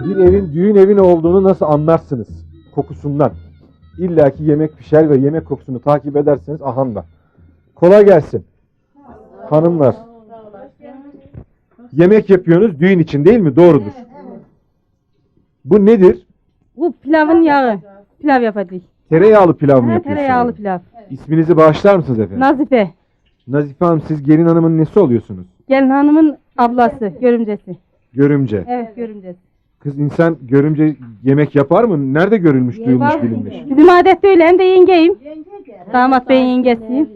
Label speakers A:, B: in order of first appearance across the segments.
A: Bir evin düğün evi olduğunu nasıl anlarsınız? Kokusundan. İlla ki yemek pişer ve yemek kokusunu takip ederseniz ahanda. Kolay gelsin. Hanımlar. Yemek yapıyorsunuz düğün için değil mi? Doğrudur. Bu nedir?
B: Bu pilavın yağı. Pilav yapacağız.
A: Tereyağlı pilav mı yapıyorsunuz?
B: Tereyağlı pilav.
A: İsminizi bağışlar mısınız efendim?
B: Nazife.
A: Nazife Hanım, siz gelin hanımın nesi oluyorsunuz?
B: Gelin hanımın ablası, görümcesi.
A: Görümce.
B: Evet, görümcesi.
A: Kız insan görümce yemek yapar mı? Nerede görülmüş, duyulmuş, bilinmiş?
B: Bizim adette öyle, hem de yengeyim. Damat beyin yengesiyim.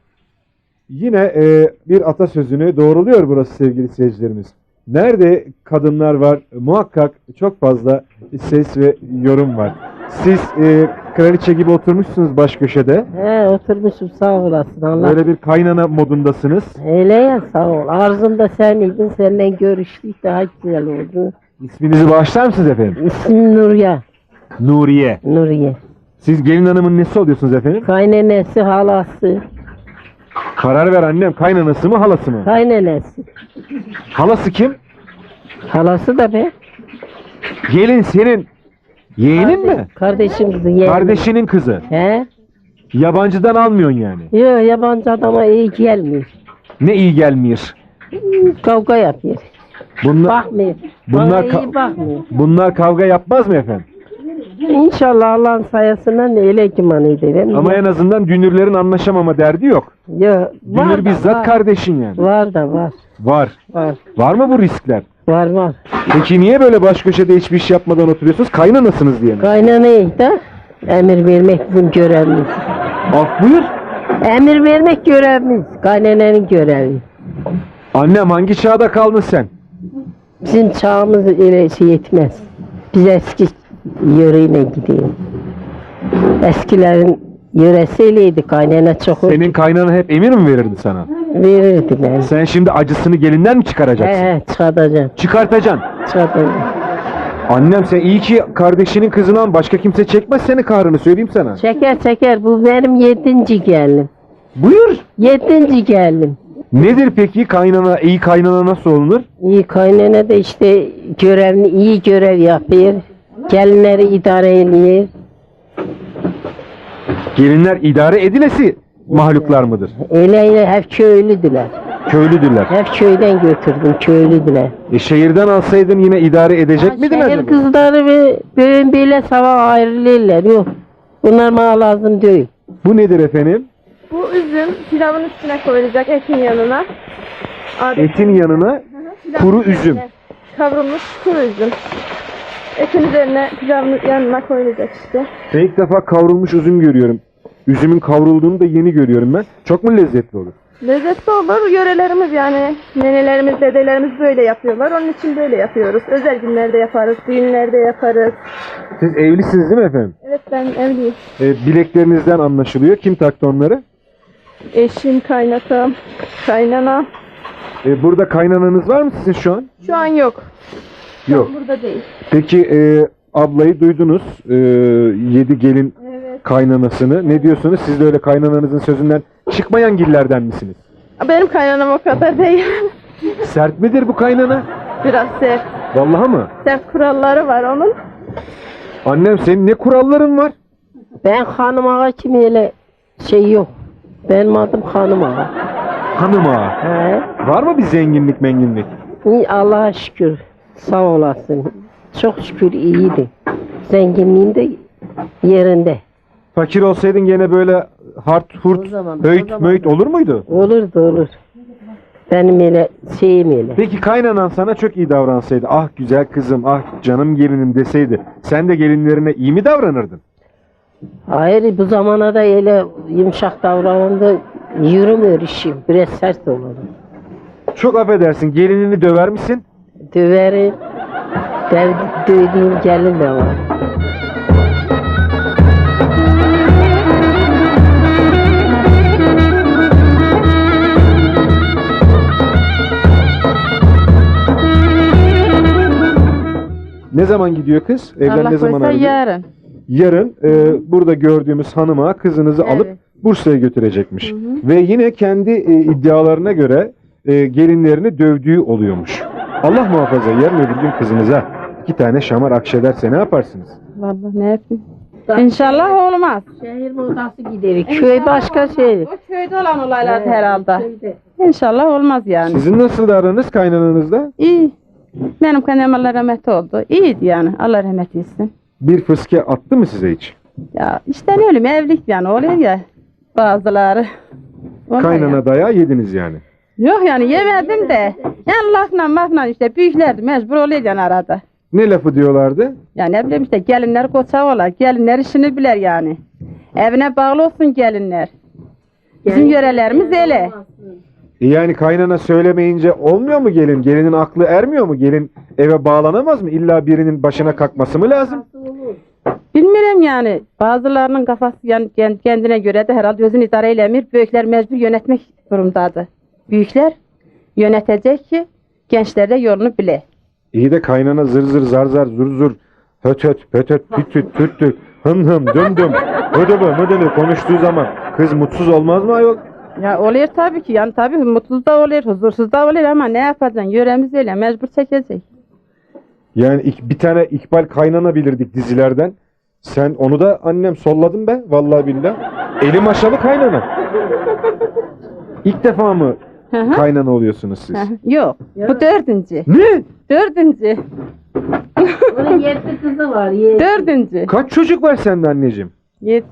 A: Yine bir atasözünü doğruluyor burası sevgili seyircilerimiz. Nerede kadınlar var muhakkak çok fazla ses ve yorum var. Siz kraliçe gibi oturmuşsunuz baş köşede.
C: He oturmuşum sağ olasın Allah.
A: Böyle bir kaynana modundasınız.
C: Öyle ya sağ ol. Arzumda sen idin. Seninle görüştük daha güzel oldu.
A: İsminizi bağışlar mısınız efendim?
C: İsmim Nuriye.
A: Nuriye.
C: Nuriye.
A: Siz gelin hanımın nesi oluyorsunuz efendim?
C: Kaynanesi halası.
A: Karar ver annem, kaynanası mı halası mı?
C: Kaynanesi.
A: Halası kim?
C: Halası da be.
A: Gelin senin yeğenin mi?
C: Kardeşim kızı yeğenim.
A: Kardeşinin kızı.
C: He?
A: Yabancıdan almıyorsun yani.
C: Yok yabancı adama iyi gelmiyor.
A: Ne iyi gelmiyor.
C: Kavga yapıyor.
A: Bunlar,
C: Bakmıyor.
A: bunlar,
C: Bana iyi bakmıyor.
A: bunlar kavga yapmaz mı efendim?
C: İnşallah Allah'ın sayesinde öyle kimanıydı.
A: Ama en azından dünürlerin anlaşamama derdi yok.
C: Yok.
A: Dünür bizzat
C: var.
A: kardeşin yani.
C: Var da var.
A: Var.
C: Var.
A: Var mı bu riskler?
C: Var.
A: Peki niye böyle baş köşede hiçbir iş yapmadan oturuyorsunuz? Kaynanasınız diye mi?
C: Kaynanayı da emir vermek bizim görevimiz.
A: Af buyur.
C: Emir vermek görevimiz. Kaynananın görevi.
A: Annem hangi çağda kaldın sen?
C: Bizim çağımız öyle şey etmez. Biz eski yöreyle gidiyoruz. Eskilerin yöresiyleydi kaynana çok
A: Senin kaynana hep emir mi verirdi sana?
C: verirdi ben.
A: Sen şimdi acısını gelinden mi çıkaracaksın?
C: Çıkartacağım.
A: Çıkartacaksın.
C: Çıkartacağım.
A: Annem sen iyi ki kardeşinin kızından başka kimse çekmez senin kahrını söyleyeyim sana.
C: Çeker. Bu benim 7. gelin.
A: Buyur.
C: 7. gelin.
A: Nedir peki kaynana, iyi kaynana nasıl olunur?
C: İyi kaynana da işte görevini iyi görev yapıyor. Gelinleri idare ediyor.
A: Gelinler idare edilesi mahluklar mıdır?
C: Öyle hep köylüdüler.
A: Köylüdürler.
C: Hep köyden götürdüm köylüdüler.
A: Şehirden alsaydın yine idare edecek miydin
C: Şehir
A: acaba?
C: kızları ve böyle böyle sabah ayrılırlar. Yok. Bunlar bana lazım değil.
A: Bu nedir efendim?
B: Bu üzüm pilavın üstüne koyulacak, etin yanına.
A: Etin yanına kuru üzüm.
B: Kavrulmuş kuru üzüm. Etin üzerine pilavın yanına koyulacak işte.
A: Ben ilk defa kavrulmuş üzüm görüyorum. Üzümün kavrulduğunu da yeni görüyorum ben. Çok mu lezzetli olur?
B: Lezzetli olur. Yörelerimiz yani nenelerimiz, dedelerimiz böyle yapıyorlar. Onun için böyle yapıyoruz. Özel günlerde yaparız, düğünlerde yaparız.
A: Siz evlisiniz değil mi efendim?
B: Evet ben evliyim.
A: Bileklerinizden anlaşılıyor. Kim taktı onları?
B: Eşim, kaynatam, kaynana.
A: Burada kaynananız var mı sizin şu an?
B: Şu an yok.
A: Yok.
B: Burada değil.
A: Peki ablayı duydunuz. 7 gelin
B: Evet.
A: kaynanasını. Ne diyorsunuz? Siz de öyle kaynananızın sözünden çıkmayan gillerden misiniz?
B: Benim kaynanam o kadar değil.
A: Sert midir bu kaynana?
B: Biraz sert.
A: Vallahi mı?
B: Sert kuralları var onun.
A: Annem senin ne kuralların var?
C: Ben hanım ağa kimi öyle şey yok. Benim adım hanım ağa.
A: Hanım ağa.
C: He?
A: Var mı bir zenginlik menginlik?
C: İyi, Allah'a şükür. Sağ olasın. Çok şükür iyiydi. Zenginliğin de yerinde.
A: Fakir olsaydın gene böyle hart hurt,
C: O zaman
A: möğüt olur muydu?
C: Olur. Benim öyle şeyim öyle.
A: Peki kaynanan sana çok iyi davransaydı, ah güzel kızım, ah canım gelinim deseydi, sen de gelinlerine iyi mi davranırdın?
C: Hayır bu zamana da öyle yumuşak davranında yürümüyor işim. Biraz sert olur.
A: Çok affedersin, gelinini döver misin?
C: Döverim. Dövdüğüm gelin de var.
A: Ne zaman gidiyor kız? Evlen ne zaman ayrılıyor?
B: yarın.
A: Yarın burada gördüğümüz hanıma kızınızı alıp Bursa'ya götürecekmiş. Ve yine kendi iddialarına göre gelinlerini dövdüğü oluyormuş. Allah muhafaza yarın öbür gün kızınıza 2 tane şamar akşederse ne yaparsınız?
B: Vallahi ne yapayım? İnşallah olmaz.
C: Şehir modası giderik. Köy başka şey.
B: O köyde olan olaylar herhalde.
C: Köyde.
B: İnşallah olmaz yani.
A: Sizin nasıl aranız kaynananızla?
B: İyi. Benim kaynanam Allah rahmet oldu. İyiydi yani. Allah rahmet etsin.
A: Bir fıske attı mı size hiç?
B: Ya işte ne ölüm evlilik yani oluyor ya bazıları. Ondan
A: Kaynana
B: ya.
A: dayağı yediniz yani.
B: Yok yani yemedim de. Yani lafla işte büyüklerdi mecbur oluyor yani arada.
A: Ne lafı diyorlardı?
B: Ya ne bileyim işte gelinler koça olar. Gelinler işini bilir yani. Evine bağlı olsun gelinler. Bizim yörelerimiz öyle.
A: Yani kaynana söylemeyince olmuyor mu gelin? Gelinin aklı ermiyor mu? Gelin eve bağlanamaz mı? İlla birinin başına kalkması mı lazım?
B: Bilmiyorum yani. Bazılarının kafası yani kendine göre de herhalde özün idare eylemiyor. Büyükler mecbur yönetmek durumdadır. Büyükler yönetecek ki gençler de yolunu bile.
A: İyi de kaynana zır zır zar zar zur zur höt höt höt höt tüt tüt tüt tüt hım hım dım dım ödümü mıdını konuştuğu zaman kız mutsuz olmaz mı ayol?
B: Ya oluyor tabii ki yani tabii mutsuz da oluyor, huzursuz da oluyor ama ne yapacaksın? Yöremiz öyle mecbur çekecek.
A: Yani bir tane İkbal kaynana bilirdik dizilerden. Sen onu da annem solladın be vallahi billah. Eli maşalı kaynana. İlk defa mı
B: Hı hı.
A: kaynana oluyorsunuz siz?
B: Yok. Bu dördüncü.
A: Ne?
B: Dördüncü.
C: Onun 7 kızı var. 7.
B: Dördüncü.
A: Kaç çocuk var sende anneciğim?
B: 7.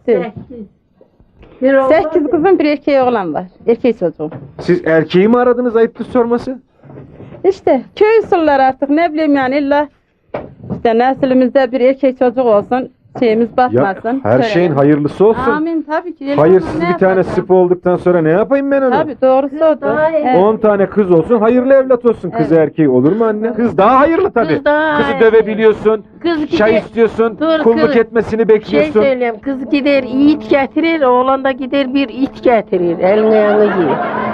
C: 8.
B: 8 kızım bir erkeği oğlan var. Erkek çocuğum.
A: Siz erkeği mi aradınız ayıptır sorması?
B: İşte köy usulları artık ne bileyim yani illa işte neslimizde bir erkek çocuk olsun şeyimiz
A: Ya
B: batmasın.
A: her şeyin hayırlısı olsun.
B: Amin tabii ki.
A: Hayırsız bir tane sıpı olduktan sonra ne yapayım ben onu?
B: Tabii doğrusu odur.
C: daha iyi.
B: Evet.
A: 10 tane kız olsun hayırlı evlat olsun. Kız erkeği olur mu anne? Kız daha hayırlı tabii.
C: Kız daha
A: Kızı
C: iyi.
A: dövebiliyorsun.
C: Kız
A: Çay
C: gider-
A: istiyorsun.
C: Dur,
A: kulluk
C: kız-
A: etmesini
C: Şey
A: bekliyorsun.
C: söyleyeyim, kız gider yiğit getirir, oğlan da gider bir it getirir. Eline yanı giy.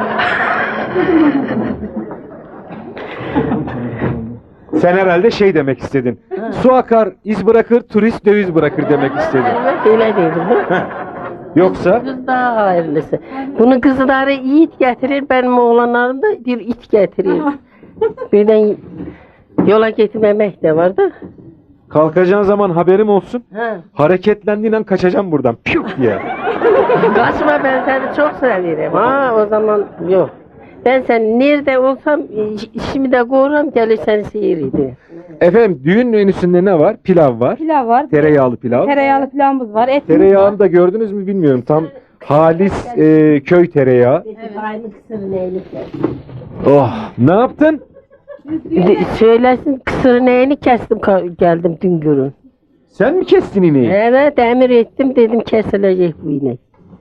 A: Sen herhalde şey demek istedin. Su akar, iz bırakır, turist döviz bırakır demek istedin.
C: Evet öyle dedim.
A: Yoksa
C: Kız daha hayırlısı. Bunun kızları yiğit getirir, benim oğlanlarım da bir it getirir. Birden yola getirmemek de vardı.
A: kalkacağın zaman haberim olsun.
C: Ha.
A: Hareketlendiğin an kaçacağım buradan. Piyuk diye.
C: Kaçma, ben seni çok severim. Ha o zaman yok. Ben sen nerede olsam işimi de korurum, gelir seni seyirdi.
A: Efendim düğün menüsünde ne var? Pilav var.
B: Pilav var.
A: Tereyağlı pilav.
B: Tereyağlı pilavımız var. Et
A: Tereyağını da gördünüz mü bilmiyorum. Tam halis köy tereyağı.
C: Aynı kısır neylik.
A: Oh, ne yaptın?
C: Söylesin, kısır neyini kestim geldim dün görün.
A: Sen mi kestin ineği?
C: Evet emir ettim, dedim kesilecek bu inek.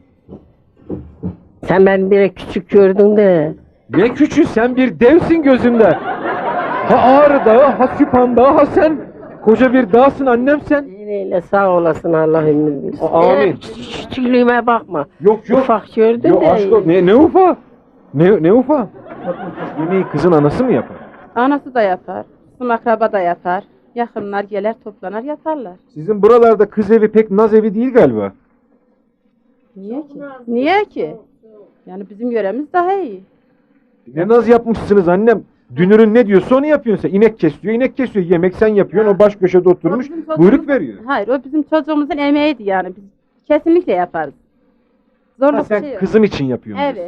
C: Sen beni bir küçük gördün de.
A: Ne küçük, sen bir devsin gözümde. Ha Ağrı Dağı, ha Süphan Dağı, ha sen koca bir dağsın annem sen.
C: Öyle sağ olasın, Allah ömür versin.
A: Amin.
C: Küçüklüğüme bakma.
A: Yok yok.
C: Ufak gördün
A: Yok
C: de.
A: aşk ol. Ne ufa? Ne ufa? Yemeği kızın anası mı yapar?
B: Anası da yapar. Bizim akraba da yapar. Yakınlar gelir toplanır yaparlar.
A: Sizin buralarda kız evi pek naz evi değil galiba.
B: Niye ki? Niye ki? Yani bizim yöremiz daha iyi.
A: Ne naz yapmışsınız annem. Dünürün ne diyorsa onu yapıyorsun sen. İnek kesiyor, inek kesiyor. Yemek sen yapıyorsun. O baş köşede oturmuş
B: O bizim çocuğumuz-
A: buyruk veriyor.
B: Hayır o bizim çocuğumuzun emeğiydi yani. Biz kesinlikle yaparız.
A: Ha,
B: Zorluk bir
A: sen
B: şey yok.
A: kızım için yapıyorsun.
B: Evet.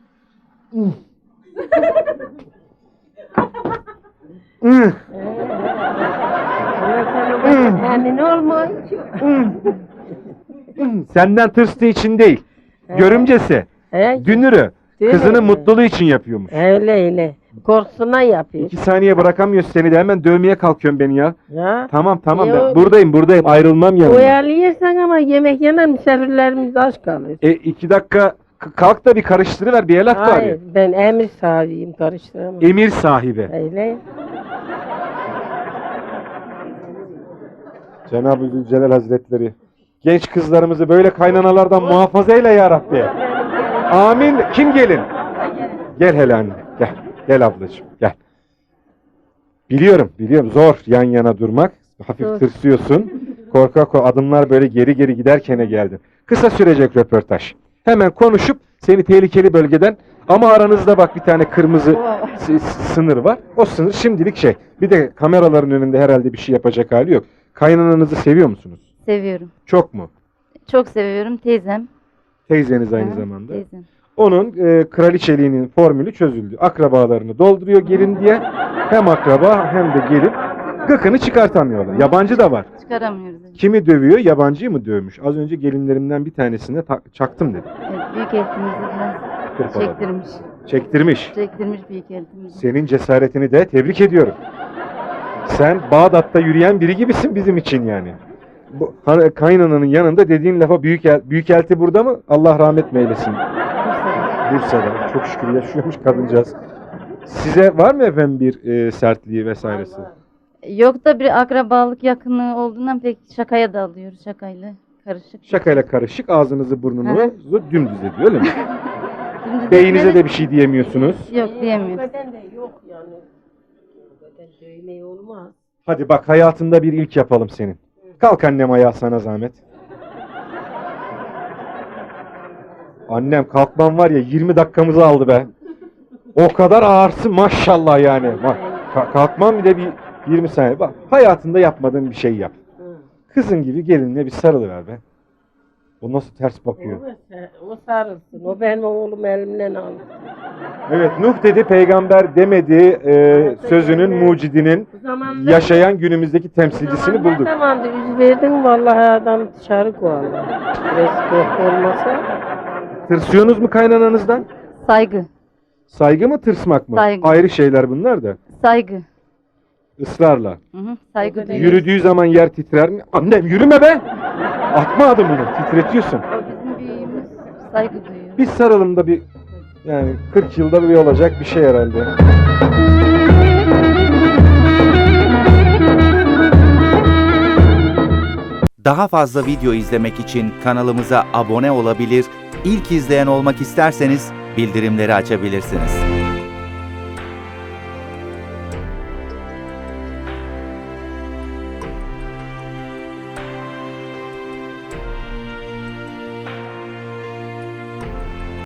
A: Hı.
C: Yani ne olmuyor ki?
A: Senden tırstığı için değil. Görümcesi,
C: He?
A: dünürü,
C: Değil
A: kızının
C: mi?
A: mutluluğu için yapıyormuş.
C: Öyle öyle. Korkusundan yapıyor.
A: 2 saniye bırakamıyor seni de hemen dövmeye kalkıyorsun beni ya.
C: Ya.
A: Tamam ben
C: Yok.
A: buradayım ayrılmam yanına.
C: Uyarlıyorsan ama yemek yenen misafirlerimiz aç kalır.
A: 2 dakika kalk da bir karıştırıver bir el at
C: Hayır,
A: bari.
C: ben emir sahibiyim, karıştıramam.
A: Emir sahibi.
C: Öyle.
A: Cenab-ı Zülcelal Hazretleri. Genç kızlarımızı böyle kaynanalardan muhafaza eyle ya Rabbi. Amin. Kim gelin? Gel hele anne. Gel. Gel ablacığım. Gel. Biliyorum. Zor yan yana durmak. Hafif
C: Zor.
A: tırsıyorsun. Korkak adımlar böyle geri geri giderkene geldin. Kısa sürecek röportaj. Hemen konuşup seni tehlikeli bölgeden, ama aranızda bak bir tane kırmızı sınır var. O sınır şimdilik şey. Bir de kameraların önünde herhalde bir şey yapacak hali yok. Kaynananızı seviyor musunuz?
D: Seviyorum.
A: Çok mu?
D: Çok seviyorum. Teyzem.
A: Teyzeniz aynı
D: Hı,
A: zamanda.
D: Teyzem.
A: Onun kraliçeliğinin formülü çözüldü. Akrabalarını dolduruyor gelin diye. Hem akraba hem de gelin. Gıkını çıkartamıyorlar. Yabancı da var.
D: Çıkaramıyoruz.
A: Kimi dövüyor? Yabancıyı mı dövmüş? Az önce gelinlerimden bir tanesine çaktım dedi.
D: Evet, büyük eltimizi biraz
A: Hırpaladı.
D: çektirmiş.
A: Çektirmiş.
D: Çektirmiş büyük eltimizi.
A: Senin cesaretini de tebrik ediyorum. Sen Bağdat'ta yürüyen biri gibisin bizim için yani. Bu kaynananın yanında dediğin lafa büyükelti burada mı? Allah rahmet eylesin. Bursa'da. Çok şükür yaşıyormuş kadıncağız. Size var mı efendim bir sertliği vesairesi?
D: Yok da bir akrabalık yakınlığı olduğundan pek şakaya da alıyoruz. Şakayla karışık.
A: Şakayla karışık ağzınızı burnunu dümdüz ediyor öyle mi?
D: Dümdüz
A: Beyinize
D: etmedi.
A: de bir şey diyemiyorsunuz.
D: Yok diyemiyoruz.
C: Beden de yok yani. Beden dövmeyi olmaz.
A: Hadi bak hayatında bir ilk yapalım senin. Kalk annem ayağa sana zahmet. Annem kalkman var ya 20 dakikamızı aldı be. O kadar ağırsın maşallah yani. Bak kalkman bir de bir 20 saniye. Bak hayatında yapmadığın bir şey yap. Kızın gibi gelinle bir sarılıver be. O nasıl ters bakıyor.
C: O sarılsın. O benim oğlum elimden aldı.
A: Evet Nuh dedi peygamber demedi sözünün mucidinin
C: Bu zamanda
A: yaşayan günümüzdeki temsilcisini bulduk.
C: Ne zamanda yüz verdin vallahi adam dışarı koyarlar. Biraz korku olmasa.
A: Tırsıyorsunuz mu kaynananızdan?
D: Saygı.
A: Saygı mı tırsmak mı?
D: Saygı.
A: Ayrı şeyler bunlar da.
D: Saygı.
A: Israrla.
D: Hı hı, saygı
C: O kadar
D: duyuyoruz.
A: Yürüdüğü zaman yer titrer mi? Annem yürüme be! Atma adımını, titretiyorsun.
D: O bizim büyüğümüz. Saygı duyuyor.
A: Biz saralım da bir, yani 40 yılda bir olacak bir şey herhalde.
E: Daha fazla video izlemek için kanalımıza abone olabilir, ilk izleyen olmak isterseniz bildirimleri açabilirsiniz.